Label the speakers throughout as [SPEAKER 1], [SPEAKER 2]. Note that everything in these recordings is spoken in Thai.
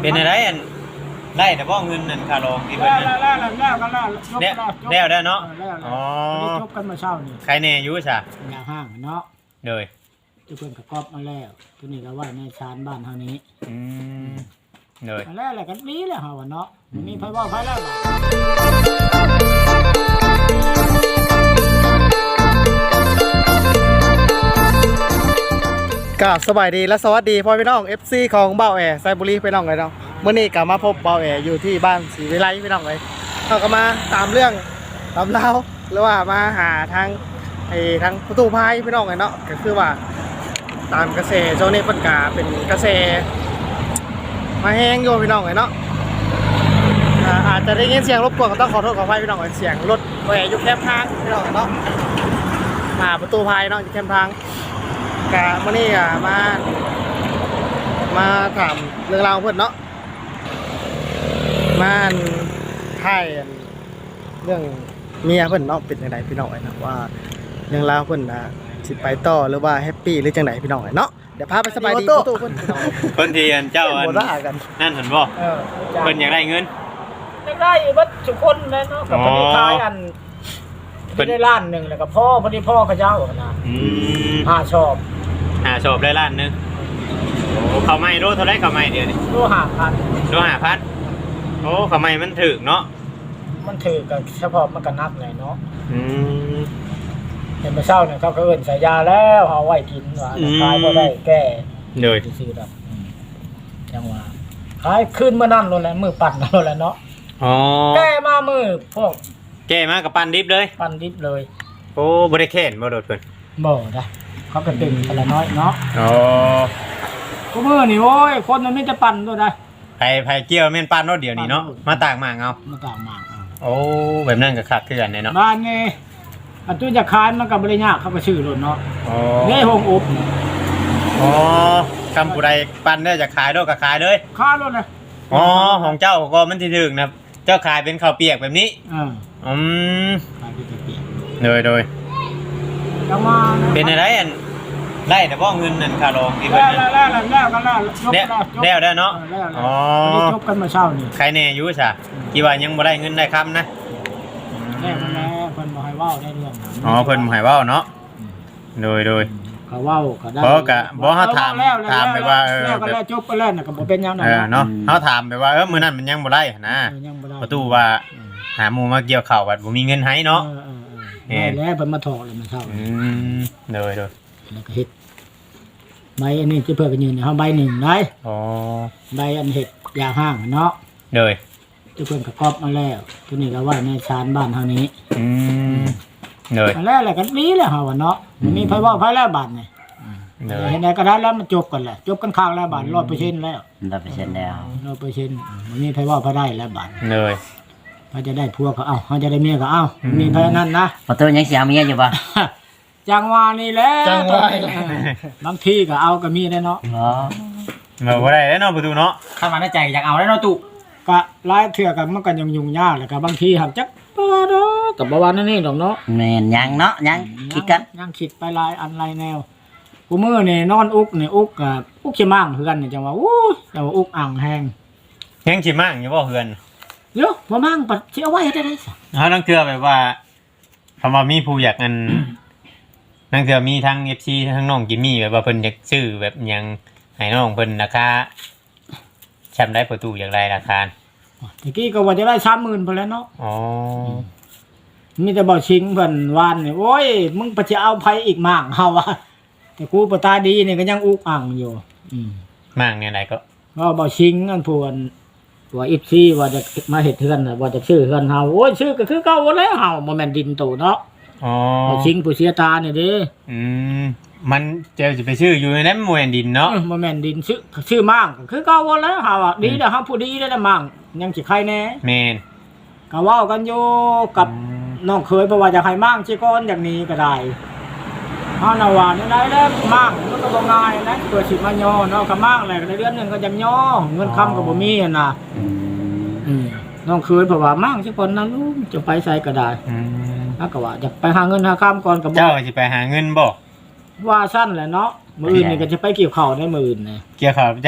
[SPEAKER 1] เป็นอะไรอันไล่แต่บ่เงินนั่นค่ารองที่เพิ่นนั่นแล้วได้เนาะอ๋อ
[SPEAKER 2] จบกันมาเช้านี่
[SPEAKER 1] ใครแน่อยู่ซะ
[SPEAKER 2] อย่าห้างเนาะ
[SPEAKER 1] เลย
[SPEAKER 2] เพิ่นก็กอบมาแล้วตัวนี้ก็ไว้ในชานบ้านเฮานี้
[SPEAKER 1] เลย
[SPEAKER 2] แล้วแหละกันนี้แหละเฮาว่าเนาะมีไผว่าไผแล้ว
[SPEAKER 3] ก็สบายดีและสวัสดีพ่อพี่น้อง FC ของเบ้าแอไซบุรีพี่น้องเลยเนาะเมื่อนี้ก็มาพบเบ้าแออยู่ที่บ้านศรีวิไลพี่น้องเลยเราก็มาตามเรื่องตามเล่าหรือว่ามาหาทางทางประตูพายพี่น้องเลยเนาะก็คือว่าตามกระแสโจนี่ปัญกาเป็นกระแสมาแห้งโยพี่น้องเลยเนาะอาจจะได้ยินเสียงรบกวนก็ต้องขอโทษขออภัยพี่น้องเลยเสียงรถแหวอยู่แคมป์ทางพี่น้องเนาะมาประตูพายเนาะอยู่แคมป์ทางกะมื่อนี้มาถามเรื่องราวเพื่อนเนาะมาถ่ายเรื่องเมียเพื่อนเนาะเป็นยังไงพี่น้องไอ้นะว่าเรื่องราวเพื่อนสิไปต่อหรือว่าแฮปปี้หรือจังไหนพี่น้องไอ้เนาะเดี๋ยวพาไปสบายดีตู้เพื่อน
[SPEAKER 1] คนที่เจ้านั่นเห็นบ่เพิ่นอยากได้เงิน
[SPEAKER 2] ได้บัดทุกคนเลยเนาะกับพอดีขายอันได้ล้านนึงแล้วก็พ่อพอดีพ่อเขาเจ้านะ5ชอบ
[SPEAKER 1] ได้ล้านนึงโอ้เขาไม่รู้เท่าไรเขาไม่เดี๋ยวนี้
[SPEAKER 2] รู้5,000
[SPEAKER 1] โอ้เขาไม่มันถึกเนาะ
[SPEAKER 2] มันถือกับเฉพาะมันก็นักเลยเนาะเห็นมาเช้าเนี่ยเขาก็เอิ้นใส่ยาแล้วเอาไว้กินว่าขายบ่ได้แก้
[SPEAKER 1] เลย
[SPEAKER 2] ซื้อดอกจังว่าขายคืนมื้อนั้นโลดแล้วมื้อปั่นโลดแล้วเนาะ
[SPEAKER 1] อ๋อ
[SPEAKER 2] แก้มามื้อพวก
[SPEAKER 1] แก้มากับปั่นดิบเลย
[SPEAKER 2] โอ้
[SPEAKER 1] บ่ได้แค้นบ่โดดเพิ่น
[SPEAKER 2] บ่ได้เขาก็ตึงแต่ละน้อยเนาะ
[SPEAKER 1] อ๋อ
[SPEAKER 2] กูมื้อนี่โอ้ยคนมันมีแต่ปั่นตัวใด
[SPEAKER 1] ไผเกี่ยวแม่นปั่นรถเดียวนี่เนาะมาตากหมากเอาโอ้แบบนั้นก็คักคือกันเนาะ
[SPEAKER 2] บ้านนี่อันตู้จะขายมันก็บ่ได้ยากเขาก็ซื้อรถเนาะ
[SPEAKER 1] อ๋อ
[SPEAKER 2] นี่โฮงอบ
[SPEAKER 1] อ๋อคำผู้ใดปั่นได้จะขายด้วยก็ขายเลย
[SPEAKER 2] ขายรถเลย
[SPEAKER 1] อ๋อของเจ้าก็มันสิถึกนะเจ้าขายเป็นข้าวเปียกแบบนี้
[SPEAKER 2] ขายเป็นข้าวเปียก
[SPEAKER 1] โดยเป็นอะไรอันไล่แต่บ่เงินนั่นค่ารองที่เพิ่นนั่นแล้วได้เนาะ
[SPEAKER 2] อ๋อจบกันมาเช้านี่
[SPEAKER 1] ใครแน่อยู่ซะที่ว่ายังบ่ได้เงินได้คำนะ
[SPEAKER 2] แล้วเพิ่นบ่ให้เว้าได้เรื่อง
[SPEAKER 1] อ๋อเพิ่นบ่ให้เว้าเนาะโดย
[SPEAKER 2] เขาเว้าก็ได้
[SPEAKER 1] บ่เฮาถามไปว่า
[SPEAKER 2] แล้วก็แล้วจบไปแล้วน่ะก็บ่เป็นหยัง
[SPEAKER 1] เนาะเฮาถามไปว่ามื้อนั้นมันยังบ่ได้นะประตูว่าหาหมู่มาเกี่ยวข้าวว่าบ่มีเงินให้เนาะ
[SPEAKER 2] แล้วเพิ่นมาถอกแล้วมันเช้า
[SPEAKER 1] โดย
[SPEAKER 2] แล้วก็เฮ็ดใบอันนี้จะเพิ่นก็ยืนเฮาใบ1ได้
[SPEAKER 1] อ๋อ
[SPEAKER 2] ใบอันเฮ็ดยาห้างเนาะ
[SPEAKER 1] โดย
[SPEAKER 2] จะเพิ่นก็กอบมาแล้วตัวนี้ก็ไว้ในชานบ้านเฮานี้
[SPEAKER 1] เลย
[SPEAKER 2] แล้วแหละกันนี้แหละเฮาว่าเนาะมีไผว่าไผแล้วบาดนี่เห็นได้ก็ได้แล้วมันจบกันแหละจบกันข้างแล้วบาด 100% แล้ว
[SPEAKER 3] 100%แล้ว
[SPEAKER 2] 100%มันมีไผว่าไผได้แล้วบาด
[SPEAKER 1] เลย
[SPEAKER 2] เขาจะได้ผัวก็เอ้าเขาจะได้เมียก็เอ้ามีไผนั้นนะ
[SPEAKER 3] บ่ตัวยังสิเอาเมียอยู่บ่
[SPEAKER 2] จังหวะนี่แหละบางทีก็เอาก็มีได้เนาะ
[SPEAKER 1] บ่ได้แล้วเนาะประตูเนาะ
[SPEAKER 3] คันว่าในใจอยากเอาแล้วเนาะตุ
[SPEAKER 2] ก็หลายเทื่อก็มันก็ยุ่งยากแล้วก็บางทีหักจักบ่เนาะก็บ่ว่านั่นนี่ดอกเนาะ
[SPEAKER 3] แม่นยังเนาะยังคิดกัน
[SPEAKER 2] ยังคิดไปหลายอันหลายแนวกูมื้อนี่นอนอุกนี่อุกก็อุกสิมั่งคือกันนี่จังว่าโอ้ยแต่ว่าอุกอ่างแห้ง
[SPEAKER 1] ยังสิมั่งอยู่บ่เฮือน
[SPEAKER 2] เดี๋ยวบ่มั่งปัดสิเอาไว้ได้ได้ซะ
[SPEAKER 1] เฮาต้องเทื่อแบบว่าคำว่ามีผู้อยากอันนั่นคือมีทั้ง FC ทั้งน้องจิมมี่แบบว่าเพิ่นอยากซื้อแบบหยังให้น้องเพิ่นราคาแชมป์ได้ประตูอย่างไรราคา
[SPEAKER 2] ตะกี้ก็ว่าจะได้ 30,000 พุ่นแล้วเนาะ
[SPEAKER 1] อ๋อ
[SPEAKER 2] มีแต่บ่ชิงเพิ่นวานนี่โอ้ยมึงไปจะเอาไผอีกมากเฮาว่าแต่กูบ่ตาดีนี่ก็ยังอุกอั่งอยู่
[SPEAKER 1] มากเนี่ยไหนก็
[SPEAKER 2] บ่ชิงอันพวนตัว FC ว่าจะมาเฮ็ดเฮือนน่ะว่าจะซื้อเฮือนเฮาโอ้ยซื้อก็คือเก่าแล้วเฮาบ่แม่นดินโตเนาะ
[SPEAKER 1] อ๋อ
[SPEAKER 2] ชิงผู้เสียตานี่เด้
[SPEAKER 1] มันจะไปชื่ออยู่ในนั้นบ่แม่นดินเนาะ
[SPEAKER 2] บ่แม่นดินชื่อมั่งคือเก่าแล้วเฮาอ่ะดีแล้วเฮาผู้ดีแล้วมั่งยังสิใครแน่
[SPEAKER 1] แม่น
[SPEAKER 2] ก็เว้ากันอยู่กับน้องเคยเพราะว่าอยากให้มั่งสิก่อนอย่างนี้ก็ได้เฮาน่ะว่าได้แล้วมั่งมันก็บ่ง่ายนะตัวสิมาย่อเนาะก็มั่งแหละในเดือนนึงก็ยังย่อเงินค้ำก็บ่มีน่ะน้องเคยเพราะว่ามั่งสิก่อนนะลูกจะไปไสก็ได้แล้วก็ว่าจะไปหาเงินหาค้ำก่อนก็บ่
[SPEAKER 1] เจ้าสิไปหาเงินบ่
[SPEAKER 2] ว่าซั่นแหละเนาะมื้ออื่นนี่ก็จะไปเกี่ยวข้าวในมื้ออื่นนี่
[SPEAKER 1] เกี่ยวข้าวจ้ะ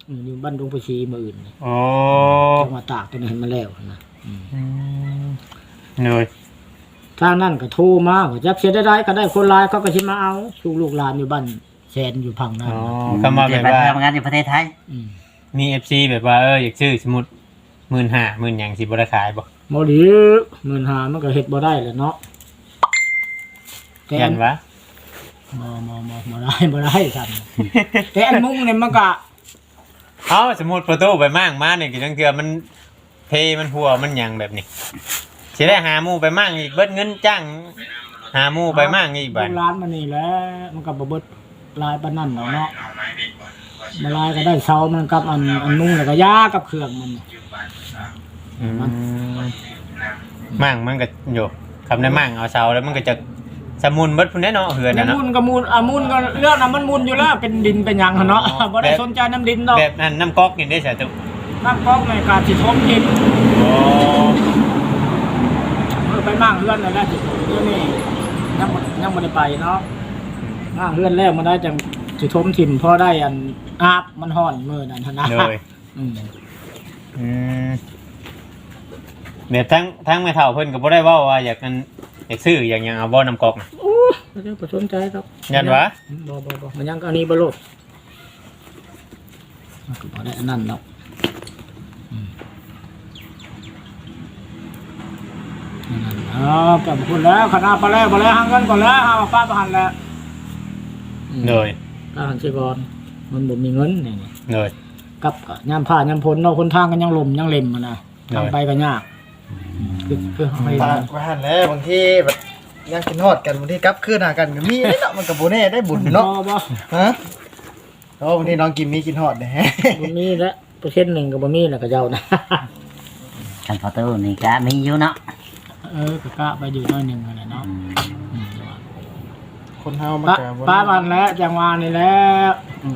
[SPEAKER 2] อยู่บ้านดงประชีมื้ออื่นนี่
[SPEAKER 1] โอ้
[SPEAKER 2] จังหวัดตากตัวนี้เห็นมาแล้วนะ
[SPEAKER 1] เหนื่อย
[SPEAKER 2] ทางนั้นก็โทรมาว่าจักเสียได้ก็ได้คนร้ายเขาก็สิมาเอาลูกหลานอยู่บ้านแสนอยู่พังนั่น
[SPEAKER 1] อ๋อก็มาแบบว่า
[SPEAKER 4] ทำงานอยู่ประเทศไทย
[SPEAKER 1] มี FC แบบว่าอยากซื้อสมมุติ 15,000 10,000หยังสิบ่ได้ขายบ่
[SPEAKER 2] บ่ดี15,000มันก็เฮ็ดบ่ได้แหละเนาะแต่
[SPEAKER 1] ยันวะ
[SPEAKER 2] บ่ได้ซั่นแต่อันมุ้งนี่มันก็
[SPEAKER 1] เอ้าสมมุติประตูไปมั่งมานี่ก็จังเทื่อมันเพมันหัวมันหยังแบบนี้สิได้หาหมู่ไปมั่งอีกเบิดเงินจ้างหาหมู่ไปมั่งอีกบัด
[SPEAKER 2] ลูกหลานมันนี่แหละมันก็บ่เบิดหลายปานนั้นหรอกเนาะมาลายก็ได้เซามันกับอันมุ้งแล้วก็ยากับเครื่องมัน
[SPEAKER 1] มั่งมันก็อยู่คำได้มั่งเอาเสาแล้วมันก็จะสมุนเบิดพุ่นแน่เนาะเหือนน่ะเนาะ
[SPEAKER 2] มุนก็มุนมุนก็เรื่องน่ะมันมุนอยู่แล้วเป็นดินเป็นหยังหั่นเนาะบ่ได้สนใจน้ำดินดอก
[SPEAKER 1] แบบนั้นน้ำก๊อกนี่ได้ใช่ตุ
[SPEAKER 2] น้ำก๊อกในการสิทมกิน
[SPEAKER 1] โอ้
[SPEAKER 2] ไปมั่งเฮือนนั่นแหละเดี๋ยวนี้ยังบ่ได้ไปเนาะมั่งเฮือนแล้วมันได้จังสิทมถิ่มพอได้อันอาบมันฮ้อนมื้อนั้นหั่นนะ
[SPEAKER 1] เลยแบบทั้งแม่เฒ่าเพิ่นก็บ่ได้เว้าว่าอยากซื้ออย่างหยังเอาบ่น้ำก๊อกน่ะ
[SPEAKER 2] โอ้บ่ได้สนใจครับ
[SPEAKER 1] ยันวะ
[SPEAKER 2] บ่มันยังอันนี้บ่โลดมันก็บ่ได้อันนั้นเนาะกับคุณแล้วคณะไปแล้วบ่แล้วหาเงินก่อนแล้วหาฟ้าประหันแล้ว
[SPEAKER 1] เลย
[SPEAKER 2] ป้าหันสิก่อนมันบ่มีเงินนี่
[SPEAKER 1] เลย
[SPEAKER 2] กับยามผ่านยามพ้นเนาะคนทางกันยังลมยังเล็มนะทางไปก็ยากคือไป
[SPEAKER 3] บ้านแล้วบางทีแบบยังกินฮอดกันบางทีกลับคืนหากันก็มีเนาะมันก็บ่แน่ได้บุญเนาะ
[SPEAKER 2] บ่
[SPEAKER 3] ฮะโอ้บางทีน้องกินมีกินฮอดแหน่
[SPEAKER 2] บ่มีแล้วเปอร์เซ็นต์นึงก็บ่มีแล้วก็เจ้านะ
[SPEAKER 4] คันพอตู้นี่ก็มีอยู่เนาะ
[SPEAKER 2] ก็กะไปอยู่น้อยนึงนั่นแหละเนาะ
[SPEAKER 3] คนเฮามันก็บ่
[SPEAKER 2] ป้ามันแล้วจังหวะนี่แล้ว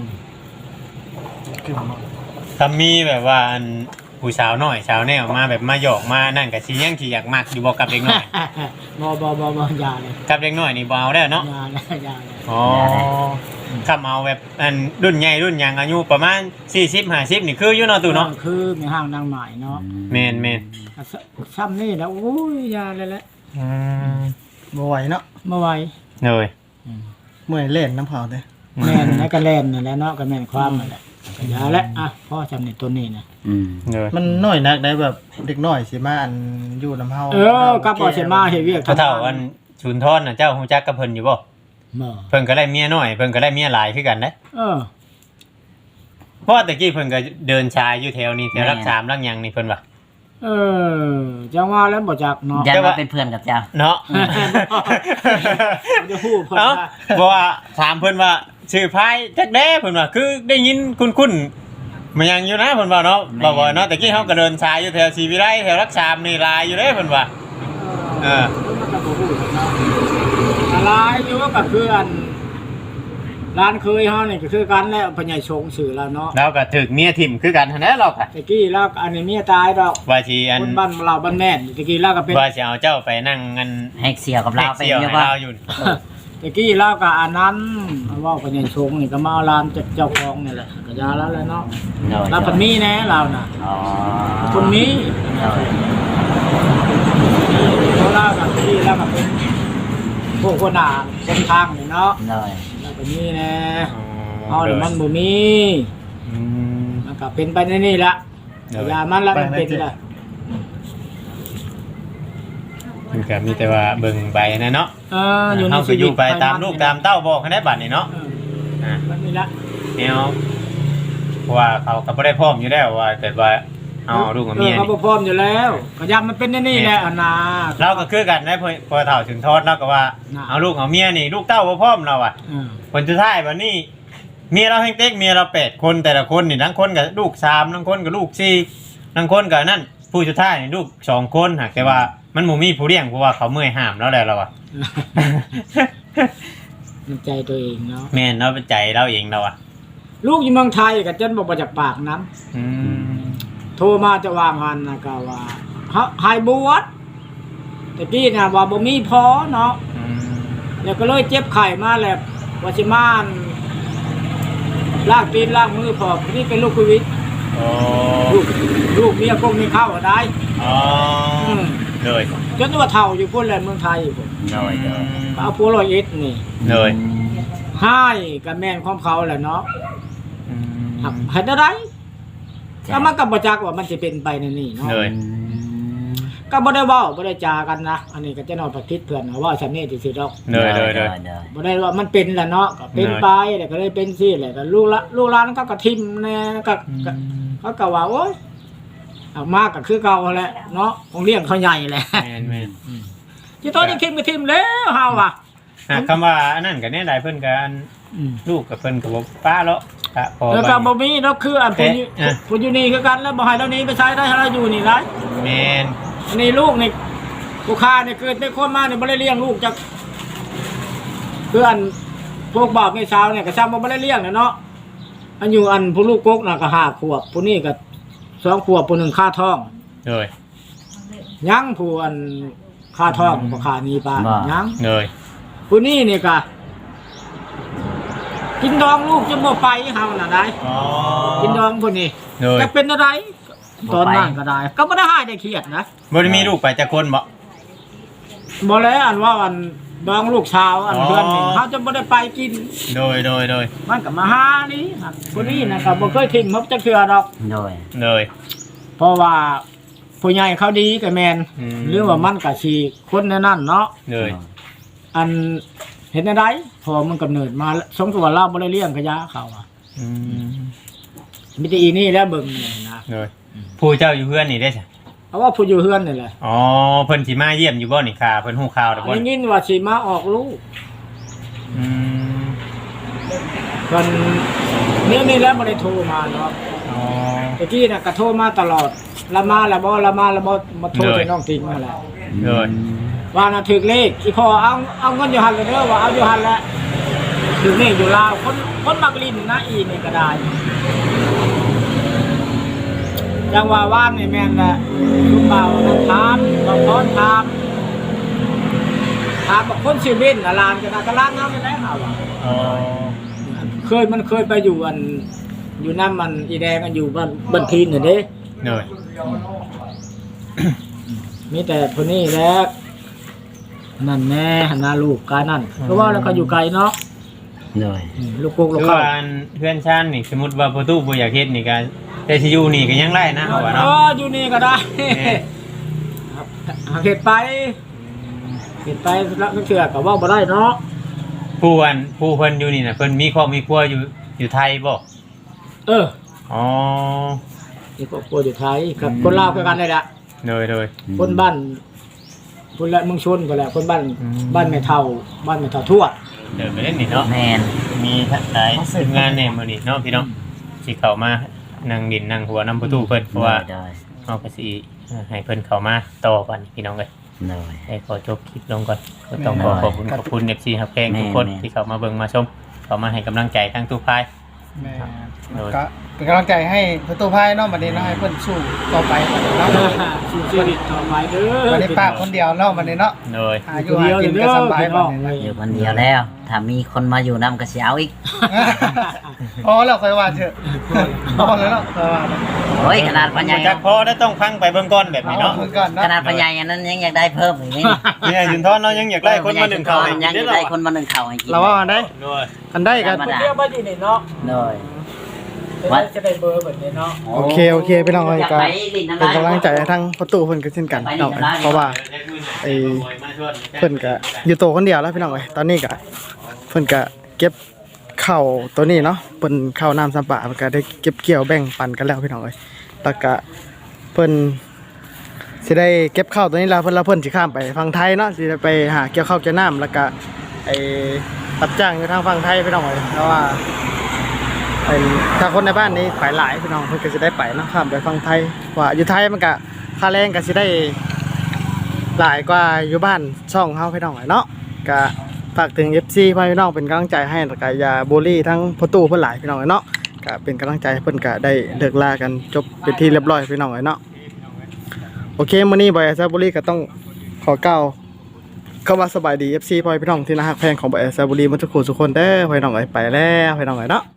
[SPEAKER 3] คือมัน
[SPEAKER 1] ถ้ามีแบบว่าอันผู้สาวน้อยสาวแนวมาแบบมาหยอกมานั่นก็สิยังสิอยากมักอยู่บ่กับเด็กน้อย
[SPEAKER 2] บ่อย่าเลย
[SPEAKER 1] กับเด็กน้อยนี่บ่เอาแล้วเนาะ
[SPEAKER 2] อย่าเลย
[SPEAKER 1] อ๋อคำเอาแบบอันรุ่นใหญ่รุ่นยังอายุประมาณ40-50นี่คืออยู่เนาะตู่เนาะ
[SPEAKER 2] คือมีห้างนางหมายเนาะ
[SPEAKER 1] แม่น
[SPEAKER 2] ซ้ำนี่แล้วโอ้ยอย่าเลยแหละ
[SPEAKER 3] บ่ไหวเนาะ
[SPEAKER 2] บ่ไหว
[SPEAKER 1] เลย
[SPEAKER 3] เมื่อยเล่นน้ำเผาเด้
[SPEAKER 2] แม่นแล้วก็แล่นนั่นแหละเนาะก็แม่นความนั่นแหละก็อย่าแล้วพ่อจำในตัวนี้นะ
[SPEAKER 1] เลย
[SPEAKER 3] มันน้อยนักได้แบบเด็กน้อยสิมาอันอยู่น้ำเฮา
[SPEAKER 2] กับบ่สิมาเฮ็ดเวียก
[SPEAKER 1] เท่าอันชุนทอนน่ะเจ้าฮู้จักกับเพิ่นอยู่บ่
[SPEAKER 2] บ่
[SPEAKER 1] เพิ่นก็ได้เมียน้อยเพิ่นก็ได้เมียหลายคือกันเด้ เพราะว่าตะกี้เพิ่นก็เดินชายอยู่แถวนี้แถวรัก3รักหยังนี่เพิ่นว่า
[SPEAKER 2] จังว่าแล้วบ่จักเนาะ
[SPEAKER 4] ยันว่าเป็นเพื่อนกับเจ้า
[SPEAKER 1] เนาะ
[SPEAKER 2] จะฮู้เพิ่น
[SPEAKER 1] เอ้าเพราะว่าถามเพิ่นว่าชื่อไผจักแด้เพิ่นว่าคือได้ยินคุ้นๆมันยังอยู่นะเพิ่นว่าเนาะบ่เนาะตะกี้เฮาก็เดินชายอยู่แถวศรีวิไลแถวรัก3นี่ลายอยู่เด้เพิ่นว่า
[SPEAKER 2] มันก็บ่ฮู้เนาะอะไรอยู่ก็คืออันร้านเคยเฮานี่ก็คือกันแล้วพญายชงชื่อแล้วเนาะ
[SPEAKER 1] เราก็ถึกเมียทิ่มคือกันหั่นแหละเราก็
[SPEAKER 2] ตะกี้แล้วอันนี้เมียตายดอก
[SPEAKER 1] ว่าสิอัน
[SPEAKER 2] คนบ้านเราบ้านแม่นตะกี้แล้วก็เป็น
[SPEAKER 1] ว่าสิเอาเจ้าไปนั่งกัน
[SPEAKER 4] ให้เสี่ยวกับเราไป
[SPEAKER 1] เสี่ยว
[SPEAKER 4] เยอะ
[SPEAKER 1] ให้
[SPEAKER 4] ว่า
[SPEAKER 1] เราอยู่
[SPEAKER 2] ตะกี้แล้วก็อันนั้นเว้าพญายชงนี่ก็มาเอาร้านเจ้าของนี่แหละก็ยาแล้วแหละเนาะเราเพิ่นมีแน่เราน่ะ
[SPEAKER 4] อ๋อ
[SPEAKER 2] คนนี้เขาเล่ากับที่แล้วก็เป็นพวกคนหนาคนทางนี่เนาะ
[SPEAKER 4] เลย
[SPEAKER 2] แล้วก็มีแน่เอาเดี๋ยวมันบ่มีมันก็เป็นไปในนี่ละอย่ามันละมันเป็นละ
[SPEAKER 1] มันก็มีแต่ว่าเบิ่งไปนะเนาะ
[SPEAKER 2] อยู่ใน
[SPEAKER 1] เฮา
[SPEAKER 2] ชี
[SPEAKER 1] ก็อ
[SPEAKER 2] วิ
[SPEAKER 1] ยู่
[SPEAKER 2] ต
[SPEAKER 1] ไปตามลูกตามเต้าบอกให้ได้บัดนี่เนาะ
[SPEAKER 2] มันนี่ละ
[SPEAKER 1] แนวเพราะว่าเขาก็บ่ได้พร้อมอยู่แล้วว่าเกิดว่าเอาลูกกับเมีย
[SPEAKER 2] เขา
[SPEAKER 1] นี่
[SPEAKER 2] บ่พร้อมอยู่แล้วก็ยามมันเป็นในนี่แหละอันน่ะ
[SPEAKER 1] เราก็คือกันได้พอเฒ่าถึงโทษเราก็ว่าเอาลูกเอาเมียนี่ลูกเต้าบ่พร้อมเราอ่ะผลสุดท้ายบัดนี้เมียเราแฮงเต็กเมียเรา8คนแต่ละคนนี่ทั้งคนก็ลูก3ทั้งคนก็ลูก4ทั้งคนก็นั่นผู้สุดท้ายนี่ลูก2คนหากแต่ว่ามันบ่มีผู้เลี้ยงเพราะว่าเขาเมื่อยห้ามแล้วแหละเราอ่ะ
[SPEAKER 2] มันใจตัวเองเนาะ
[SPEAKER 1] แม่นเราเป็นใจเราเองเราอ่ะ
[SPEAKER 2] ลูกอยู่เมืองไทยก็จนบ่จากปากน้ำโทรมาจะวางงานนะก็ว่าหายบวชแต่กี้น่ะว่าบ่มีพอเนาะแล้วก็เลยเจ็บไข้มาแล้วว่าสิมาล้างตีนล้างมือพอนี่เป็นลูกโควิด
[SPEAKER 1] โอ้
[SPEAKER 2] ลูกเมียพวกนี้เข้าได้
[SPEAKER 1] อ๋อเลย
[SPEAKER 2] จนว่าเฒ่าอยู่พุ่นแหละเมืองไทยพุ่น
[SPEAKER 4] rồi rồi
[SPEAKER 2] เอาผัวร้อยเอ็ดนี่
[SPEAKER 1] เลย
[SPEAKER 2] ให้กับแม่นของเขาแหละเนาะ
[SPEAKER 1] อืม
[SPEAKER 2] ให้ได้ก็มันก็บ่จักว่ามันสิเป็นไปในนี่เนาะ
[SPEAKER 1] เลย
[SPEAKER 2] ก็บ่ได้เว้าบ่ได้จากันนะอันนี้ก็จะนอนประทิศเพื่อนว่าฉันนี่สิดอก
[SPEAKER 1] เลยเลยเลย
[SPEAKER 4] rồi
[SPEAKER 2] บ่ได้ว่ามันเป็นแหละเนาะก็เป็นไปแล้วก็เลยเป็นสิแหละก็ลูกหลานก็กระทิมแน่ก็เขาก็ว่าโอ๊ยเอามาก็คือเก่าแหละเนาะของเลี้ยงเขาใหญ่แหละ
[SPEAKER 1] แม่นแม่น
[SPEAKER 2] ที่ต้นยังทิมก็ทิมแล้วเฮาว่ะ
[SPEAKER 1] คำว่าอันนั้นก็แน่หลายเพิ่นกันลูกกับเพิ่นกับป้าแล้วพอ
[SPEAKER 2] แล้วก็บ่มีเนาะคืออันผู้
[SPEAKER 1] อ่ะ
[SPEAKER 2] ผู้อยู่นี่คือกันแล้วบ่ให้เรานี้ไปใช้ได้ให้เราอยู่นี่ได้
[SPEAKER 1] แม่น
[SPEAKER 2] อันนี้ลูกนี่ผู้ค้านี่เกิดเป็นคนมานี่บ่ได้เลี้ยงลูกจักเพื่อนพวกบ่าวแม่สาวเนี่ยก็ซ้ำบ่ได้เลี้ยงเนาะอันอยู่อันผู้ลูกกกน่ะก็5ขวบผู้นี้ก็2ขวบผู้หนึงค่าท้อง
[SPEAKER 1] เลย
[SPEAKER 2] ยังผู้อันค่าท้องบ่ค่านี้ป้า
[SPEAKER 4] บ่
[SPEAKER 2] ยัง
[SPEAKER 1] เลย
[SPEAKER 2] ผู้นี้นี่ก็กินดองลูกจะบ่ไปเฮาน่ะได้
[SPEAKER 1] อ๋อ
[SPEAKER 2] กินดองผู้นี้
[SPEAKER 1] เลย
[SPEAKER 2] จะเป็นอะไรตอนนั้นก็ได้ ก็บ่ได้หายได้เครียดนะ
[SPEAKER 1] บ่ได้มีลูกไปจักคนบ่
[SPEAKER 2] บ่แล้วอันว่าอันดองลูกชาวอัน
[SPEAKER 1] อ๋อ
[SPEAKER 2] เดือนนี่เฮาจะบ่ได้ไปกิน
[SPEAKER 1] โดยโดยโดย
[SPEAKER 2] มันก็มาหานี่ครับผู้นี้น่ะก็บ่เคยทิ้งมันจักเทื่อดอก
[SPEAKER 4] rồi
[SPEAKER 1] เลย
[SPEAKER 2] เพราะว่าผู้ใหญ่เขาดีก็แม่น
[SPEAKER 1] อืม
[SPEAKER 2] หรือว่ามันก็สิคนแนวนั้นเนาะ
[SPEAKER 1] เลย
[SPEAKER 2] อันเห็นได้พอมันกำเนิดมาสมตัวเราบ่ได้เลี้ยงกะยาเขาอ่ะ
[SPEAKER 1] อืม
[SPEAKER 2] มีแต่อีนี่แหล้วเบิ่งนี่นะ
[SPEAKER 1] เลยผู้เจ้าอยู่เพื่อนนี่ได้ใช่
[SPEAKER 2] เพราะว่าผู้อยู่เฮือนนี่แหละ
[SPEAKER 1] อ๋อเพิ่นสิมาเยี่ยมอยู่บ่นี่ค่ะเพิ่นฮู้ข่าวแล้วบ่
[SPEAKER 2] ได้ยินว่าสิมาออกลูก
[SPEAKER 1] อืม
[SPEAKER 2] เพิ่นนี่แล้วบ่ได้โทรมาเนาะ
[SPEAKER 1] อ๋อ
[SPEAKER 2] ตะกี้น่ะก็โทรมาตลอดละมาละบ่มาโทร
[SPEAKER 1] เลย
[SPEAKER 2] ไปน้องทิ้งมาแล้ว
[SPEAKER 1] เลย
[SPEAKER 2] ว่าน่ะถึกเลขอีพ่อเอาเงินอยู่หั่นเลยเด้อว่าเอาอยู่หั่นแหละถึกเลขอยู่ลาวคนมักลิ้นนะอีนี่ก็ได้จังว่าว่านนี่แม่นแหละลูกเบานั่นถามบางคนถามบอกคนชื่อเบ้นน่ะลานก็น่ะก็ลานเฮานี่แหละเฮาว่า
[SPEAKER 1] อ๋อ
[SPEAKER 2] มันเคยไปอยู่อันอยู่น้ำมันอีแดงอันอยู่บ้านพีนน่ะเด้
[SPEAKER 1] เลย
[SPEAKER 2] มีแต่คนนี้แหละนั่นแน่หันหน้าลูกกายนั่นเพราะว่าแล้วก็อยู่ไกลเนาะ
[SPEAKER 4] rồi
[SPEAKER 2] ลูกกุ๊กลู
[SPEAKER 1] คื
[SPEAKER 2] ก
[SPEAKER 1] อ
[SPEAKER 2] เข้า
[SPEAKER 1] ว่าอันเพื่อนชาตินี่สมมุติว่าประตูบ่อยากเฮ็ดนี่ก็แต่สิอยู่นี่ก็ยังได้นะเอาว่าเนาะ
[SPEAKER 2] อยู่นี่ก็ได้
[SPEAKER 1] แน่
[SPEAKER 2] หาเห็ดไปแล้วก็เชื่อกับว่าบ่ได้เนาะ
[SPEAKER 1] ผู้เพิ่นอยู่นี่น่ะเพิ่นมีครอบมีครัวอยู่ไทยบ่
[SPEAKER 2] เออ
[SPEAKER 1] อ๋อ
[SPEAKER 2] นี่ก็กลัวอยู่ไทยกับคนลาวคือกันเลยละ
[SPEAKER 1] เลยเลย
[SPEAKER 2] คนบ้านคนละเมืองชนก็แหละคนบ้าน
[SPEAKER 1] อืม
[SPEAKER 2] บ้านแม่เฒ่าทวด
[SPEAKER 1] เดินไปเล่นนี่เนาะ
[SPEAKER 4] men
[SPEAKER 1] มีหลายทีมงานเนี่ยมื้อนี้เนาะพี่น้องสิเข้ามานั่งดินนั่งหัวน้ำประตูเพิ่นเพราะว่า
[SPEAKER 4] rồi rồi
[SPEAKER 1] เฮาก็สิให้เพิ่นเข้ามาต่อกันพี่น้องเอ้ย
[SPEAKER 4] rồi
[SPEAKER 1] ให้ขอจบคลิปลงก่อนก็ต้องขอบคุณ FC ฮับแพงทุกคน
[SPEAKER 4] แม่
[SPEAKER 1] ที่เข้ามาเบิ่งมาชมเข้ามาให้กำลังใจทั้งทุกฝ่าย
[SPEAKER 3] แม่
[SPEAKER 1] โดย
[SPEAKER 3] ก็เป็นกำลังใจให้ประตูพายเนาะบัดนี้เนาะให้เพิ่นสู้ต่อไปเนาะ
[SPEAKER 2] สู้ชีวิตต่อไปเด้อ
[SPEAKER 3] บัดนี้ป้าคนเดียวเนาะบัดนี้เนาะ
[SPEAKER 1] โดย
[SPEAKER 3] หาอยู่หากินก็สบายบัดนี้เนาะ
[SPEAKER 4] อยู่คนเดียวแล้วถ้ามีคนมาอยู่นำก็สิเอาอีก
[SPEAKER 3] อ๋อแล้วค่อยว่าเถอะพอแล้วเนาะค่อยว่า
[SPEAKER 4] โอ้ยขนาดพ่อใหญ่
[SPEAKER 1] จากพอได้ต้องฟังไปเบิ่งก่อนแบบนี้
[SPEAKER 3] เนาะ
[SPEAKER 1] เนาะ
[SPEAKER 3] ก่อนเนาะ
[SPEAKER 4] ขนาดพ่อใหญ่อันนั้นยังอยากได้เพิ่มอีกนี่
[SPEAKER 1] เนี่ยยืนทอนเนาะยังอยากได้คนมาหนึ่งเขา
[SPEAKER 4] ยังอยากได้คนมาหนึ่งเขาให้กิน
[SPEAKER 3] เราว่าอันใด
[SPEAKER 1] โดย
[SPEAKER 3] อันใดกัน
[SPEAKER 2] คนเดียวบ่อยู่นี่เนาะ
[SPEAKER 4] เลย
[SPEAKER 2] จะได้เบอร์แบบนี้เนาะ
[SPEAKER 3] โอเคพี่น้องเอ้ยก็เป็นกำลังใจให้ทั้งประตูเพิ่นก็เช่นกันพี่น้องเอ้ยเพราะว่า ไอ้ เพิ่นก็อยู่โตคนเดียวแล้วพี่น้องเอ้ยตอนนี้ก็เพิ่นก็เก็บข้าวตัวนี้เนาะเพิ่นข้าวน้ำสำปะเพิ่นก็ได้เก็บเกี่ยวแบ่งปันกันแล้วพี่น้องเอ้ยแล้วก็เพิ่นสิได้เก็บข้าวตัวนี้แล้วเพิ่นสิข้ามไปฝั่งไทยเนาะสิได้ไปหาเกี่ยวข้าวเกี่ยวน้ำแล้วก็ไอ้รับจ้างอยู่ทางฝั่งไทยพี่น้องเอ้ยเพราะว่าไอ้ถ้าคนในบ้านนี้ไปหลายพี่น้องเพิ่นก็สิได้ไปเนาะข้ามไปฝั่งไทยว่าอยู่ไทยมันก็ค่าแรงก็สิได้ หลายกว่าอยู่บ้านช่องเฮาพี่น้องเนาะก็ฝากถึง FC พี่น้องเป็นกำลังใจให้แล้วก็อย่าบูลลี่ทั้งประตูเพิ่นหลายพี่น้องเนาะก็เป็นกำลังใจให้เพิ่นก็ได้เลิกลากันจบเป็นที่เรียบร้อยพี่น้องเนาะโอเคมื้อนี้บอยแอซบุรีก็ต้องขอกล่าวคำว่าสบายดี FC พี่น้องที่น่ารักแพงของบอยแอซบุรีทุกคนเด้อพี่น้องไปแล้วพี่น้องเนาะ